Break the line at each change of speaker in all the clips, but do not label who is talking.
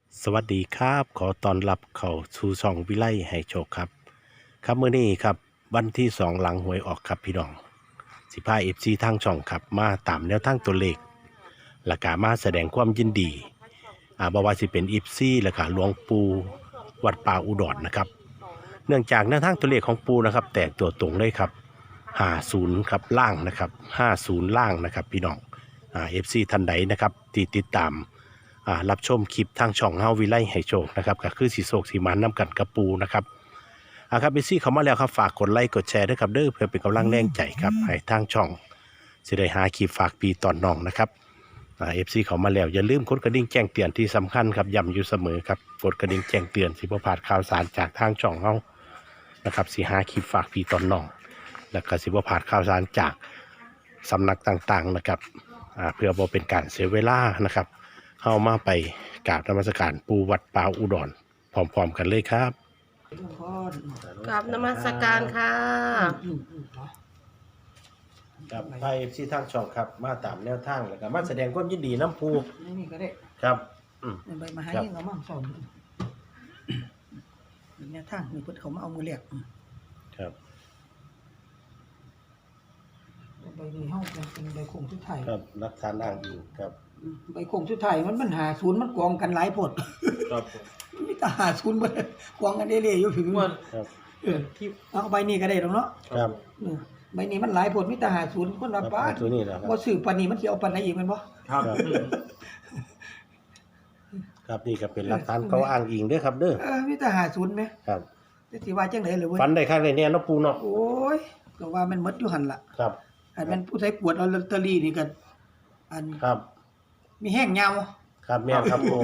สวัสดีครับขอต้อนรับเข้าสู่ช่องวิไลให้โชคครับครับมื้อนี้ครับวันที่2หลังหวยออกครับพี่น้องสิพา FC ทางช่องครับมาตามแนวทางตัวเลขและก็มาแสดงความยินดีบ่ว่าสิเป็น FC และก็หลวงปู่วัดป่าอุดรนะครับเนื่องจากแนวทางตัวเลขของปู่นะครับแตกตัวตรงเลยครับ50ครับล่างนะครับ50ล่างนะครับพี่น้องFC ท่านใดนะครับที่ติดตามรับชมคลิปทางช่องเฮาวิไลให้โชคนะครับก็คือสีโศกสีมันน้ำกันกระปูนะครับครับเอซี่เขามาแล้วครับฝากกดไลค์กดแชร์ด้วยครับเด้อเพื่อเป็นกำลังแรงใจครับให้ทางช่องสิได้หาคลิปฝากปีตอนน้องนะครับFCเขามาแล้วอย่าลืมกดกระดิ่งแจ้งเตือนที่สำคัญครับย้ำอยู่เสมอครับกดกระดิ่งแจ้งเตือนสิบ่พลาดข่าวสารจากทางช่องเฮานะครับสิหาคลิปฝากปีตอนน้องแล้วก็สิบ่พลาดข่าวสารจากสำนักต่างๆนะครับเพื่อบ่เป็นการเสียเวลานะครับเข้ามาไปกราบนมัสการปูวัดป่าอุดรพร้อมๆกันเลยครับ
กราบนมัสการค่ะ
ครับไปที่ทางช่องครับมาตามแนวทางแล้วก็มาแสดงความยินดีน้ำปู
นี่ก็ได้
ครับ
ใบมาหายิ่งเอามั่งสอนเนี่ยทางมีเพิ่นเขามาเอามือเรียก
ครับ
ใบนี้เฮาเป็นใบโคงสุดท้าย
ครับรักฐานอ้างอิงครับ
ใบโคงสุดท้ายมันหาศูนย์มันกองกันหลายผล
ครับ
มีแต่หาศูนย์เบิดกองกันเรื่อยๆอยู่ถึง
ครับ
ที่เอาใบนี้ก็ได้ดอกเนาะ
ครับ
ใบนี้มันหลายผลมีแต่หาศูนย์คนละป้า
ตัวนี้นะครับ
บ่ซื้อปานนี้มันสิเอาปานไหนอีกแม่นบ่
ครับครับนี่ก็เป็นรักฐานเขาอ้างอิงเด้อครับเด้อ
มีแต่หาศูนย์แม่
ครับ
แต่สิว่าจังได๋ล่ะเว้ย
ฝันได้ข้างในเนี่ยเนาะปูเนาะ
โอ้ยก็ว่ามันหมดอยู่หั่นล่ะ
ครับ
อันมันผู้ใช้ปวดเอาลอตเตอรี่นี่ก็อัน
ครับ
มีแห้งยาว
ครับแม่นครับปู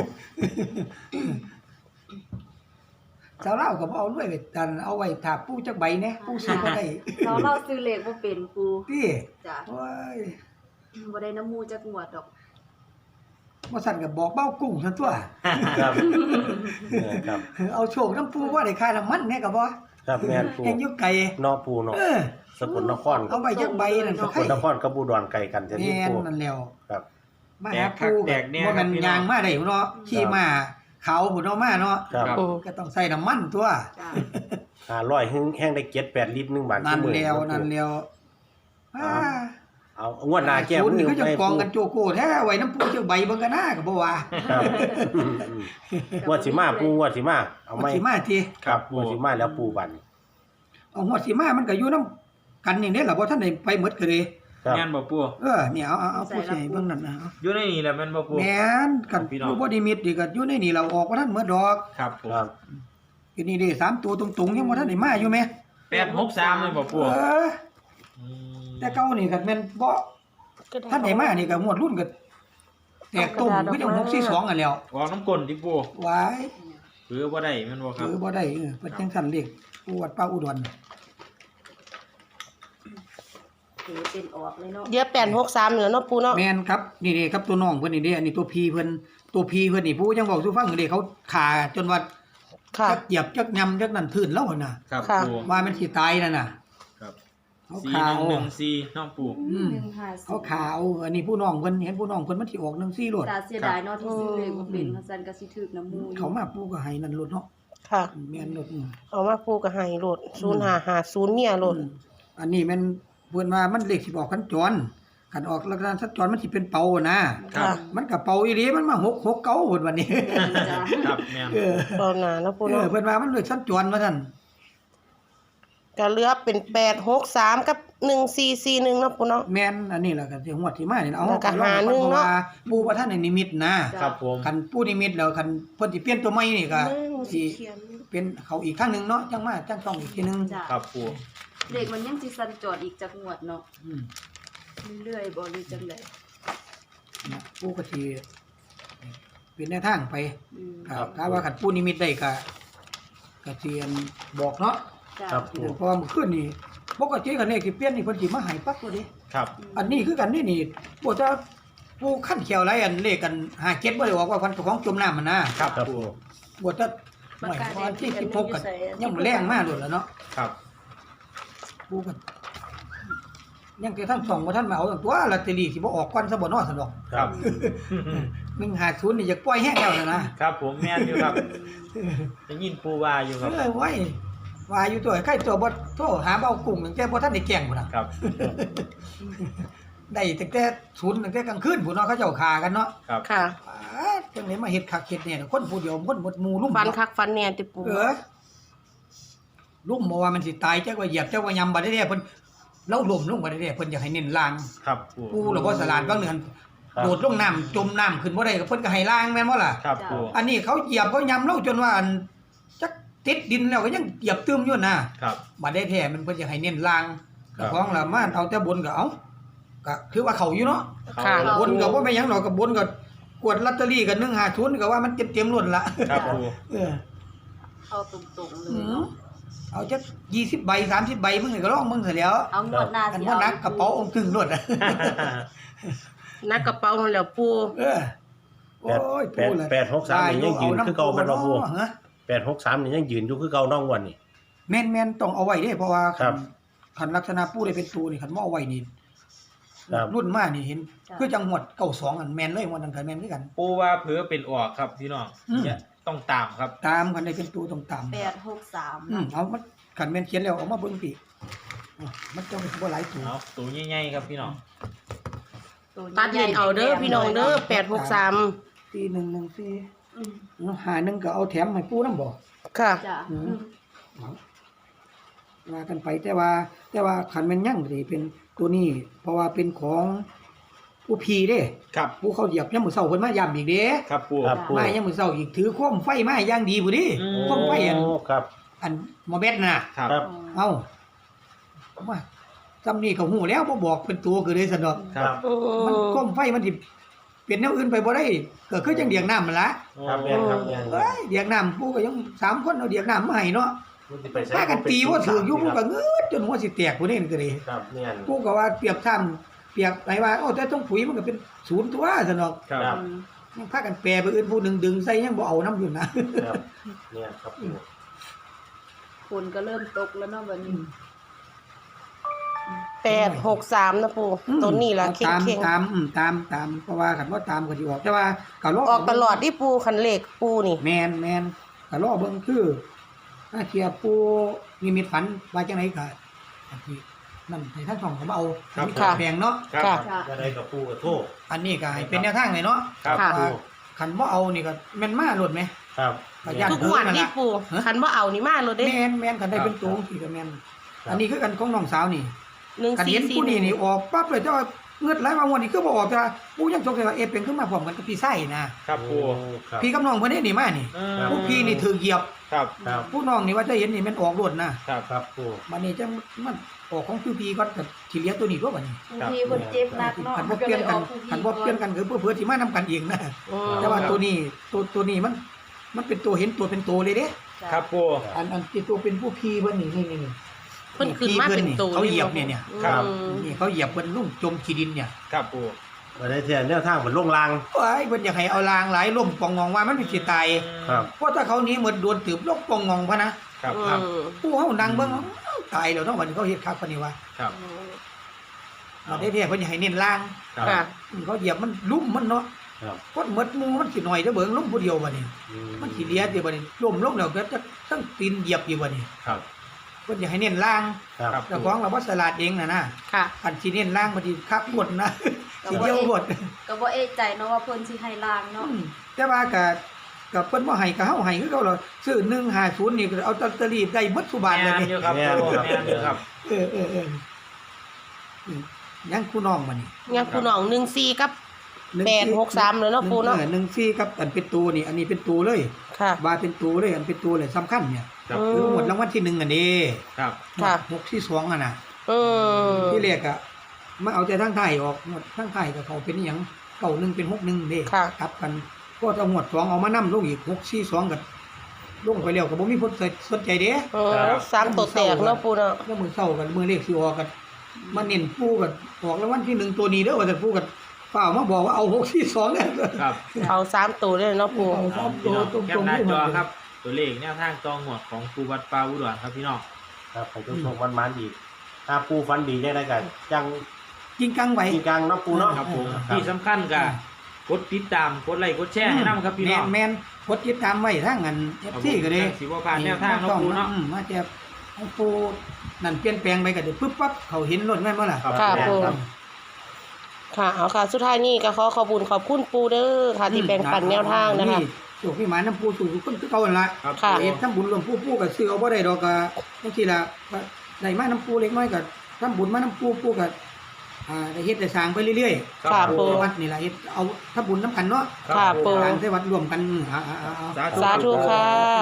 สาวเล่าก็บ่เอาด้วยดันเอาไว้ถาปูจักใบแหน่ปูซื้อบ่ได้
เราซื้อเลขบ่เป็นปู
ติ
จ้ะ
โอ้ย
บ่ได้น้ำมูจักงวดดอก
บ่สั่นก็บอกเบ้ากุ้งซั่นตัว
ครับครับ
เอาโชคน้ำปูว่าได้ค่าน้ำมันแหน่ก็บ่
ครับแม่นปู
แห่งอยู่ไกล
เนาะปูเนาะ
เออ
สกลนคร
เอาไว้จักใบนั่น
ส
ก็
ก
ใคร
ลนครกับอุดรไกลกันแท้นี่
แม่น
ปู
นั่นแล้ว
ครับ
มาหาปูบ่แม่นยางมาได้เนาะขี่มาเขาพุ่นเอามาเนาะ
ครับ
ก็ต้องใส่น้ำมันตัว
จ้ะ
500แห้งได้7-8 ลิตร1 บาท
นั่น
มื้อ
แล้วนั่นแล้วอ่า
เอางวดหน้าแก้มื
ศูนย์นี่
อ
ก็จะ
ให้
กองกันโจโก้แท้ไว้น้ำปูจักใบเบิ่งกันนะก็บ่ว่า
ครับงวดสิมาปูงวดสิมาเอาไหม
สิมาที
ครับงวดสิมาแล้วปูบัน
เอาหัวสิมามันก็อยู่นํกันอย่างนี้ล่ะบ่ทันได้ไปหมดก็เลย
ครับ
แม่นบ่ปู่
เนี่ยเอาผู้ใหญ่เบิ่งนั่นนะ
อยู่ในนี่แหละแม่นบ่ปู่
แม่นกัน
พี่น้อง
อยู่บ่ได้มิดนี่ก็อยู่ในนี่เราออกบ่ทันหมดดอก
ครับผม
ครับ
ทีนี้เด้3ตัวตรงๆยังบ่ทันได้มาอยู่แม่
863เลยบ่ปู่
มแต่เก่านี่ก็แม่นบ่ทันได้มานี่ก็งวดรุ่นก็แตกตุ่มคือจัง642อันแล้ว
ออกน้ำก้นดิปู่
วาย
หรือบ่ได้แม่นบ่ครับ
บ่ได้เพิ่นจังซั่นเลขปูวัดป่าอุดร
ถือเป็นออกเลยเนาะ
เดี๋ยว863เหลือเนาะปูเนาะ
แม่นครับนี่ๆครับตัวน้องเพิ่นนี่เด้อันนี้ตัวพี่เพิ่นนี่ผู้ยังเว้าสู่ฟังอยู่เด้เขาขาจนว่า
ค่ะ
จักเหยียบจักยำจักนั่นทื่นแล้วหั่นน่ะ
ครับ
ค่ะ
ปู่
ว่ามันสิตายนั่นน่ะ
ครับ
เขาขาว
4114น้องปู่
เขาขาวอันนี้ผู้น้องเพิ่นเห็นผู้น้องเพิ่นมันสิออก14โลด
ตาเสียดายเนาะที่ซื้อเลขบ่เป็นเพราะซั่นก็สิถึกน้ำมู
เขามาปูก็ให้นั่นโลดเนาะ
ค่ะ
แม่นโลด
เอามาปูกับไฮโหลด0550เนี่ยโหลด
อันนี้แม่นเพิ่นว่ามันเลขสิออกคันจรคันออกลักษณะสัญจรมันสิเป็นเป่านะ
ครับ
มันก็เป่าอีหลีมันมา669เพิ่นวันนี้
จ้ะ
ครับแม่น
เออ
ตอนหน้าเนาะปูเนาะ
เพิ่นว่ามันเลขสัญจรว่าซั่น
ก็เหลือเป็น863กับ1441เนาะปูเนาะ
แม่นอันนี้ล่ะก็สิงวดที่มานี่เอา
แล้วก็
ลอง
หาหนึ่งเนาะ
พรว่ปู่บ่ทันได้นิมิตนะครับ
ผม
คันปู่นิมิตแล้วคันเพิ่นสิเปลี่ยนตัวใหม่นี่ก็
สิ
สิ
เขียน
เป็นเขาอีกครั้งหนึงเนาะจังมาจังต้องอีกทีหนึง
จ้ะ
ครับปู่
เลขมันยังสิสั่นจอดอีกจักงวดเนาะ
อืม
เรื่อยๆบ่รู้จังได๋
นะปู่ก็สิเป็นแนวทางไป
อืม
ครับถ้าว่าคันปู่นิมิตได้ก็สิอันบอกเนาะ
จ้ะ
ครับ
เพราะว่าเมื่อคืนนี่ปกติคันเลขสิเปลี่ยนนี่เพิ่นสิมาให้ปั๊บตัวเด้
ครับ
อันนี้คือกันนี่บ่จะปู่ขั้นเขียวหลายอันเลขกัน57บ่ได้บอกว่าพันของจมน้ำมันนะครับ
ครับ
ปู่
บ่จะไม่วันที่16กันยังแรงมากโลดแล้วเนาะ
ครับ
ปูกันยังแต่ทั้งสองบ่ทันมาเอาตัวลอตเตอรี่สิบ่ออกก่อนซะบ่น้อซั่นดอก
ครับ
150นี่อยากปล่อยแฮงแล้วนะครับ
ผมแม่นอยู่ครับได้ยินปูว่าอยู่ครับ
ไว้ว่าอยู่ตัวใครตัวบ่โทรหาเบากุ้งตั้งแต่บ่ทันได้แกล้งพุ่นน่ะ
ครับ
ได้ตั้งแต่ศูนย์ตั้งแต่กลางคืนพุ่นเนาะเขาเจ้าฆ่ากันเนาะ
ครับ
ค่ะ
จังได๋มาเฮ็ดคักเฮ็ดแน่คนผู้เดียวคนหมดหมู่ลุ่ม
ฟันคักฟันแน่ติปู
ลุ่มบ่ว่ามันสิตายจักว่าเหยียบจักว่ายำบ่ได้แท้เพิ่นเราล้มลงบ่ได้แท้เพิ่นอยากให้เน้นล่าง
ครับปู
ปูแล้วบ่สลาดบางเดือนโดดลงน้ำจมน้ำขึ้นบ่ได้ก็เพิ่นก็ให้ล่างแม่นบ่ล่ะ
ครับปู
อันนี้เขาเหยียบเขายำเราจนว่าอันจักติดดินแล้วก็ยังเหยียบตึมอยู่นะครับ บ่ได้แท้มันเพิ่นอยากให้เน้นล่าง
ครับ
ของละมาเอาแต่บนก็เอาก็คือว่าเขาอยู่เนาะ
ค่ะ
บนก็บ่แม่นหยังดอกก็บนก็กวดลอตเตอรี่ก็150ก็ว่ามันเต็มๆล้นละ
ครับปู
เออ
เอาตรงๆเล
อื
ย
ม
เนาะ
เอาจัก20ใบ30ใบมึงก็ลองมึงซะแหล้ว
เอางวดหน้า
อัน
สิ
ว่า
เอา
นักกระเป๋าองค์ถึงรถ
นักกระเป๋ามันแล้วปู
เออโอ้ย
863นี่ยังยืนคือเก่าแม่นบ่ปู
ฮะ
863นี่ยังยืนอยู่คือเก่าน้องวันนี่
แม่นๆต้องเอาไว้เด้เพราะว่า
ครับ
คันลักษณะปูได้เป็นตัวนี่คันบ่เอาไว้นี่
ครับ
รุ่นมานี่เห็นคือจังหวัด92อันแม่นเลยหมดนั่นก็แม่นคือกัน
ปูว่าเผือเป็นออกครับพี่น้อง
อืม
เนี่ยต้องตามครับ
ตามกันได้เป็นตัวต้องตาม
863
เอามันคันแม่นเขียนแล้วเอามาเบิ่งพี่มันจะบ่หลายตัว
เอาตัวใหญ่ๆครับพี่น้อง
ตัดเล่นเอาเด้อพี่น้องเด้อ863
4114
อืม
หาหนึงก็เอาแถมให้ปูนำบ่
ค่ะ
จ้ะ
อืม ว่ากันไปแต่ว่าคันแม่นยังสิเป็นตัวนี้ เพราะว่าเป็นของผู้พี่เด้
ครับ
ผู้เขาเหยียบยามมื้อเช้าเพิ่นมาย้ำอีกเด้
ครับปู
ครับปู
มายามมื้อเช้าอีกถือโคมไฟมาอย่างดีพุ่นดิ
อืม
โคมไฟอัน
โครับ
อันหมอเบ็ดน่ะ
ครับ
ครับ
เอ้าว่าจำนี่ก็ฮู้แล้วบ่บอกเป็นตัวคือได้ซั่นดอก
ครับ
มันโคมไฟมันสิเป็นแนวอื่นไปบ่ได้ก็คือจังเดียงน้ำนั่นล่ะ
ครับแม่นครับแม่น
เอ้ยเดียงน้ำผู้ก็ยัง3คนเอาเดียงน้ำมาให้เนาะ
มันสิไปใช้
พากันตีบ่ถืออยู่ผู้ก็เงืดจนหัวสิแตกพุ่นนี่ก็เลย
ครับแม่น
ผู้ก็ว่าเปรียบซ้ำเปรียบไหนว่าโอ้แต่ต้องปุ๋ยมันก็เป็นศูนย์ตัวซั่นดอก
ครับ
ครับ
ยังพากันแปรไปอื่นผู้หนึงดึงใส่ยังบ่เอาน้ำอยู่นะ
ครับเนี่ยครับปู
ฝนก็เริ่มตกแล้วเนาะบัดนี้
863นะปูตัวนี้ล่ะเข่ง
ตามเพราะว่าคันว่าตามก็สิออกแต่ว่าก็รอ
ๆออกตลอดที่ปูคันเลขปูนี่
แม่นก็รอเบิ่งคือถ้าเทียบปูนิมิตฝันว่าจังไดก็อันที่นั่นให้ท่านส่องเขามาเอา
ครับ
มีขาแพงเนาะ
ครับ
ค่ะ
จ้ะ
จะได้กับปูกับโทษ
อันนี้ก็ให้เป็นแนวทางเลยเนาะ
ครับ
ค่ะ
ว่าคันบ่เอานี่ก็แม่นมาโลดไหม
ครับ
ก็ย่าน
ทุกงวดนี่ปูคันบ่เอานี่มาเลยเด้
แม่นคันได้เป็นตัวสิก็แม่นอันนี้คือกันของน้องสาวนี่ คันเห็นผู้นี่นี่
1441
ออกปั๊บเลยแต่ว่าเงืดไหลมางวดนี้คือบ่ออกแต่ว่าผู้ยังสงสัยว่าเป็นขึ้นมาพร้อมกันกับพี่ไส้นะครับ
ปู
ครับ
พี่กับน้องเพิ่นนี่มานี่
อืม
ผู้พี่นี่ถือเหยียบ
ครับ
ครับ
ผู้น้องนี่ว่าจะเห็นนี่มันออกรวดนะครับ
ครับปู
บัดนี้จังมันออกของพี่ก่อนก็สิเหลือตัวนี้ตัวบัดนี้
บางทีเพิ่นเจ็บหนักเนาะ
คันบ่เปลี่ยนกันคันบ่เปลี่ยนกันคือเพื่อๆสิมานํกันเองนะ
อืม
แต่ว่าตัวนี้มันเป็นตัวเห็นตัวเป็นตัวเลยเด้
จ้ะ
ครับปู
อันที่ตัวเป็นผู้พี่เพิ่นนี่
เพิ่นขึ้นมาเป็นตัว
เขาเหยียบเนี่ย
ครับ
อืม
นี่เขาเหยียบเพิ่นลุ่มจมขี้ดินเนี่ย
ครับปู
มาได้เทียนแนวทางเหมือนลงราง
โอ้ยเพิ่นอยากให้เอาลางหลายล่มปองงองว่ามันสิตาย
ครับ
เพราะถ้าเขาหนี้หมดโดนตืบลกปองงองพะนะครับ
ครับ
ผู้เฮานั่งเบิ่งเอ้าตายแล้วเนาะวันนี้เขาเฮ็ดคักปานนี้ว่า
ครับ
มาได้แท้เพิ่นอยากให้เน้นล่าง
ครับ
ค่ะ
เขาเหยียบมันลุ่มมันเนาะ
ครับ
คนหมดหมู่มันสิน้อยเด้อเบิ่งลุ่มผู้เดียวบัดนี้
อืม
มันสิเหลียติบัดนี้ล้มลงแล้วก็จะทั้งตีนเหยียบอยู่บัดนี้
ครับ
เพิ่นอยากให้เน้นล่าง
ครับ
ครับ
เจ้าของเราบ่ฉลาดเองน่ะนะ
ค่ะ
อันสิเน้นล่างบัดนี้คักหมดนะสิเดียวหมด
ก็บ่เอะใจเนาะว่าเพิ่นสิให้ล้างเนาะ
แต่ว่าก็เพิ่นบ่ให้ก็เฮาให้คือเขาล่ะซื้อ150นี่ก็เอาลอตเตอรี่ได้หมดทุกบาทเลย
แม่น
นี่
อยู่ครับปูแม่นอยู่ครับ
เออยังคู่น้องมานี่
งั้นปูน้อง14กับ 863เลยเนาะปูเนาะ
14กับอันเป็นตัวนี่ อันนี้เป็นตัวเลย
ค่ะ
ว่าเป็นตัวเลยอันเป็นตัวเลยสำคัญเนี่ย
ครับ
คือหมดรางวัลที่1อันนี้
ครับ
ค่ะ
6ที่2อ่ะน่ะ
อืม
ที่แรกอ่ะมาเอาแต่ทางไทยออกหมดทางไทยก็เขาเป็นอีหยัง91เป็น61เด้
ค่ะ
กลับกันก็เอาหมวด2เอามานำลงอีก6 4 2ก็ลงไปแล้วก็บ่มีคนสนใจเด้
เออ3ตัวแตกเนาะปูเนาะ
แล้วมือเศร้ากันมือเลขสิออกกันมาเน้นปูกันออกรางวัลที่1ตัวนี้เด้อว่าแต่ปูกันเปล่ามาบอกว่าเอา6 4 2เนี่ย
ครับ
เอา3ตัวเลยเนาะปู
เอาสามตัวต
แค
ร
ป
ง
ห
ๆ
น้า
ที่
จ
มั
อน ครับ ตัวเลขแนวทางจองหวดของปูวัดปลาอุดรครับพี่น้อง
ครับไปทุกช่วงวันมันอีกถ้าปูฟันดีจังไดก็จัง
จริงกังไว้
จริงกลางเนาะปูเนาะ
ครับผม
ครับ
ที่สำคัญก็กดติดตามกดไลค์กดแชร์ให้นำครับพี่น้อง
แม่นกดติดตามไว้ทางอัน FC ก็ได้
สิบ่พลาดแนวทางเนาะปูเนาะ
มาแต่ของปูนั่นเปลี่ยนแปลงไปก็ได้ปึ๊บปั๊บเขาเห็นรถแม่นบ่ล่ะ
ครับ
ค่ะ
แม่น
ปู
ครับ
ค่ะเอาค่ะ สุดท้ายนี้ก็ขอขอบคุณปูเด้อค่ะที่แบ่งปันแนวทางนะคะ
โชคพี่หมาน้ำปูสู่คนคือเก่านั่นล่ะ
ครับ
ค่ะ
เฮ็ดทำบุญรวมปูก็ซื้อเอาบ่ได้ดอกก็จังซี่ล่ะก็ได้มาน้ำปูเล็กน้อยก็ทำบุญมาน้ำปูก็ได้เฮ็ดได้สร้างไปเรื่อยๆ
ค่ะปู
วัดนี่ล่ะเฮ็ดเอาทำบุญน้ำกันเนาะ
ค่ะปู
สร้างใส่วัดรวมกันเอา
สาธุค่ะ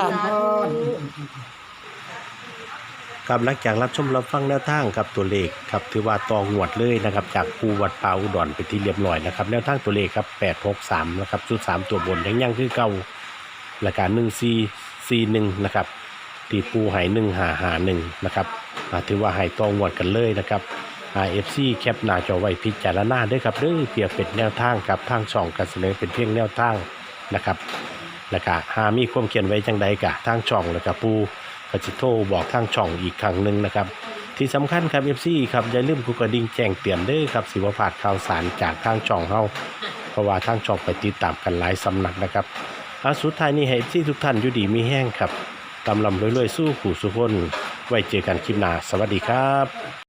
ครับหลังจากรับชมรับฟังแนวทางครับตัวเลขครับถือว่าตองวดเลยนะครับจากปูวัดป่าอุดรไปที่เรียบร้อยนะครับแนวทางตัวเลขครับ863นะครับชุด3ตัวบนยังคือเก่าและการ1441นะครับที่ปูให้1551นะครับถือว่าให้ตองวดกันเลยนะครับFC แคปหน้าจอไว้พิจารณาด้วยครับเด้อเพียงเป็นแนวทางกับทางช่องกันเสนอเป็นเพียงแนวทางนะครับแล้วก็หามีความเขียนไว้จังใดกะทางช่องแล้วก็ปูก็จะโทรบอกทางช่องอีกครั้งหนึ่งนะครับที่สำคัญครับ FC ครับอย่าลืมกดกระดิ่งแจ้งเตือนเด้อครับสิบ่พลาดข่าวสารจากทางช่องเฮาเพราะว่าทางช่องไปติดตามกันหลายสำนักนะครับสุดท้ายนี้ให้ FC ทุกท่านอยู่ดีมีแห้งครับตำลำรวยๆสู้ผู้สุขคนไว้เจอกันคลิปหน้าสวัสดีครับ